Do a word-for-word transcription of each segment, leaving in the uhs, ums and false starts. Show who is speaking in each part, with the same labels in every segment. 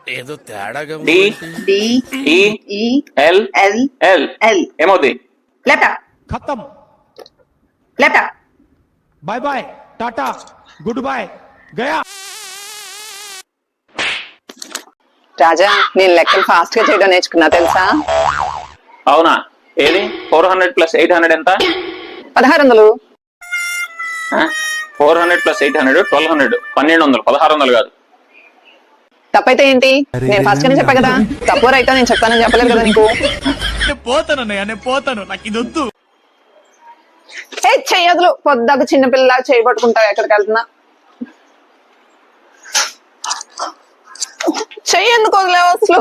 Speaker 1: ఏదో తేడాగా
Speaker 2: D
Speaker 3: D
Speaker 2: E
Speaker 3: E
Speaker 2: L
Speaker 3: L
Speaker 2: L
Speaker 3: L
Speaker 2: ఏమవుతుంది?
Speaker 3: ల్యాప్టాప్
Speaker 4: खत्म
Speaker 3: laptop
Speaker 4: bye bye tata good bye गया।
Speaker 5: రాజా నేను లెక్కలు ఫాస్ట్ గా చేయడం నేర్చుకున్నా తెలుసా?
Speaker 2: అవునా? ఏది four hundred plus eight hundred ఎంత?
Speaker 5: పదహారు వందలు.
Speaker 2: Four hundred plus eight hundred twelve hundred పన్నెండు వందలు పదహారు వందలు కాదు.
Speaker 5: తప్పైతే ఏంటి? నేను ఫస్ట్ గానే చెప్పా కదా. తప్పు రైతా నేను చెప్తానని చెప్పలేదు కదా నీకు.
Speaker 4: పోతాను నేను పోతాను నాకు ఇది వద్దు.
Speaker 5: ఏ చెయ్యదులు పొద్దాక చిన్నపిల్ల చేయబట్టుకుంటావు ఎక్కడికి వెళ్తున్నా. చెయ్యి ఎందుకు వదిలేవు అసలు?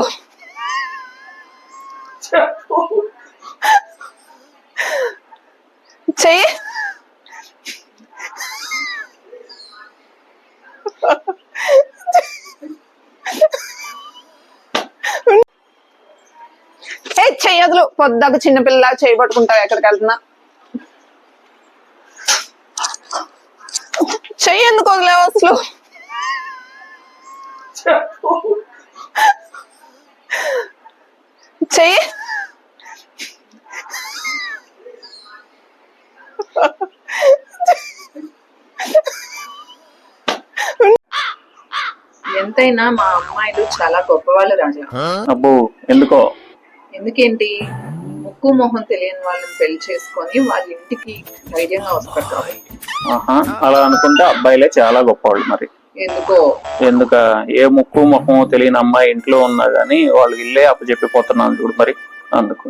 Speaker 5: చెయ్యి ఏ చెయ్యదులు పొద్దాక చిన్నపిల్ల చేయబట్టుకుంటావు ఎక్కడికి వెళ్తున్నా. చెయ్యి ఎందుకు వదిలేవు అసలు? చెయ్యి
Speaker 3: ఎంతైనా మా అమ్మాయిలు చాలా గొప్పవాళ్ళు రాజా.
Speaker 2: అబ్బో ఎందుకో?
Speaker 3: ఎందుకేంటి, ముక్కు మొహం తెలియని వాళ్ళని పెళ్లి చేసుకొని వాళ్ళ ఇంటికి ధైర్యంగా వస్తారు కాబట్టి.
Speaker 2: ఆహా, అలా అనుకుంటే అబ్బాయిలే చాలా గొప్పవాళ్ళు. మరి
Speaker 3: ఎందుకో?
Speaker 2: ఎందుక? ఏ ముక్కు ముఖం తెలియని అమ్మాయి ఇంట్లో ఉన్నా గానీ వాళ్ళు ఇల్లే అప్పచెప్పిపోతున్నాను చూడు. మరి అందుకు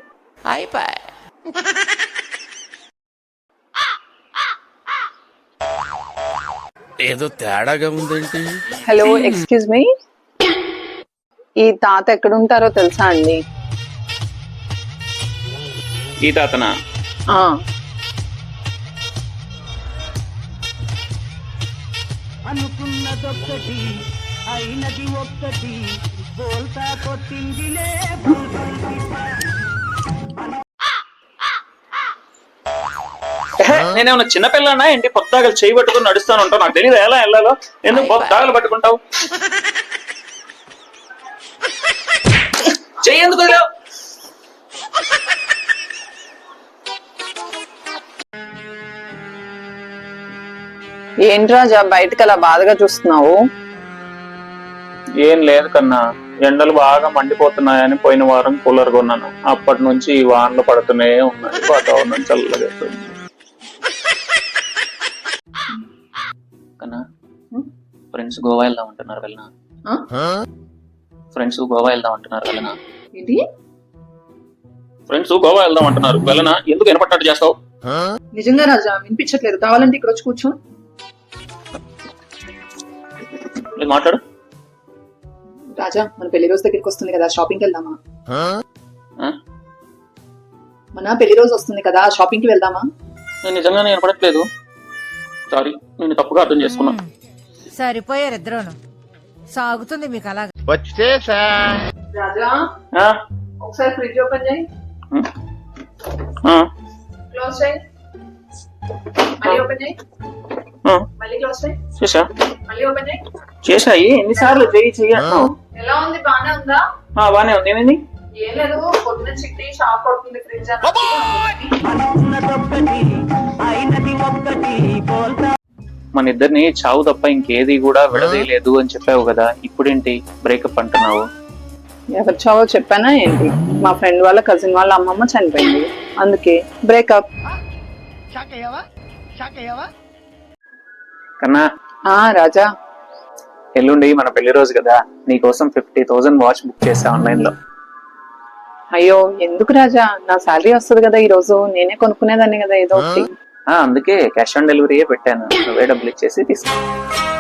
Speaker 1: ఏదో తేడాగా ఉందేంటి?
Speaker 5: హలో ఎక్స్క్యూజ్ మీ, ఈ తాత ఎక్కడుంటారో తెలుసా అండి?
Speaker 2: ఈ తాతనా?
Speaker 5: ఆ
Speaker 4: అనుకున్నదొక్కటి అయినది ఒక్కటి బోల్తా కొట్టిందిలే.
Speaker 2: నేనేమన్నా చిన్నపిల్లనా ఏంటి? పొద్దాగలు చేయి పట్టుకుని నడుస్తాను ఉంటావు. నాకు తెలియదు ఎలా వెళ్ళాలో. ఎందుకు పొద్దాగలు పట్టుకుంటావు? చెయ్యి ఎందుకు వదిలావు?
Speaker 5: ఏంటి రాజా బయటకు అలా బాధగా చూస్తున్నావు?
Speaker 2: ఏం లేదు కన్నా, ఎండలు బాగా మండిపోతున్నాయని పోయిన వారం కూలర్ కొన్నాను. అప్పటి నుంచి ఈ వానలు పడుతూనే ఉన్నాయి. వాతావరణం చల్లగా కన్నా. ఫ్రెండ్స్ గోవా వెళ్దాం అంటున్నారు, వెళ్ళనా? ఫ్రెండ్స్ గోవా వెళ్దాం అంటున్నారు, వెళ్ళనా?
Speaker 3: ఏంటి?
Speaker 2: ఫ్రెండ్స్ గోవా వెళ్దాం అంటున్నారు, వెళ్ళనా? ఎందుకు వినపట్టినట్టు చేస్తావు?
Speaker 3: నిజంగా రాజా వినిపించట్లేదు. కావాలంటే ఇక్కడ వచ్చి కూర్చో.
Speaker 2: మాట్లాడు
Speaker 3: రాజా, మన పెళ్లి రోజు దగ్గరికి వస్తుంది కదా, షాపింగ్కి వెళ్దామా? మన పెళ్లి రోజు వస్తుంది కదా, షాపింగ్ కి వెళ్దామా?
Speaker 2: నేను నిజంగానే వినపడట్లేదు. సారీ, నేను తప్పుగా అర్థం చేసుకున్నా.
Speaker 6: సరిపోయారు ఇద్దరును. సాగుతుంది మీకు అలాగా.
Speaker 3: రాజా ఒకసారి ఫ్రిడ్జ్ ఓపెన్ చేయి. క్లోజ్ చేయి. మళ్ళీ ఓపెన్ చేయి. మళ్ళీ క్లోజ్ చేయి.
Speaker 2: చేసా
Speaker 3: మళ్ళీ ఓపెన్ చేయి.
Speaker 2: చేసాయి ఎన్నిసార్లు చేయి చెయ్యి అంటున్నావు?
Speaker 3: ఎలా ఉంది? బానే ఉందా?
Speaker 2: బానే ఉంది. ఏమైంది?
Speaker 3: ఏం లేదు, పొద్దున చిట్టి షాప్ అవుతుంది ఫ్రిడ్జ్ అని.
Speaker 2: మన ఇద్దరిని చావు తప్ప ఇంకేది కూడా విడదీయలేదు అని చెప్పావు కదా, ఇప్పుడేంటి బ్రేకప్ అంటున్నావు?
Speaker 5: ఎవరు చావో చెప్పానా ఏంటి? మా ఫ్రెండ్ వాళ్ళ కజిన్ వాళ్ళ అమ్మమ్మ చనిపోయింది, అందుకే బ్రేకప్.
Speaker 2: కన్నా.
Speaker 5: ఆ రాజా,
Speaker 2: ఎల్లుండి మన పెళ్లి రోజు కదా, నీకోసం ఫిఫ్టీ థౌసండ్ వాచ్ బుక్ చేసా ఆన్లైన్ లో.
Speaker 5: అయ్యో ఎందుకు రాజా, నా శాలరీ వస్తుంది కదా ఈ రోజు, నేనే కొనుక్కునేదాన్ని కదా ఏదో ఒకటి.
Speaker 2: అందుకే క్యాష్ ఆన్ డెలివరీయే పెట్టాను, నువ్వే డబ్బులు ఇచ్చేసి తీసుకో.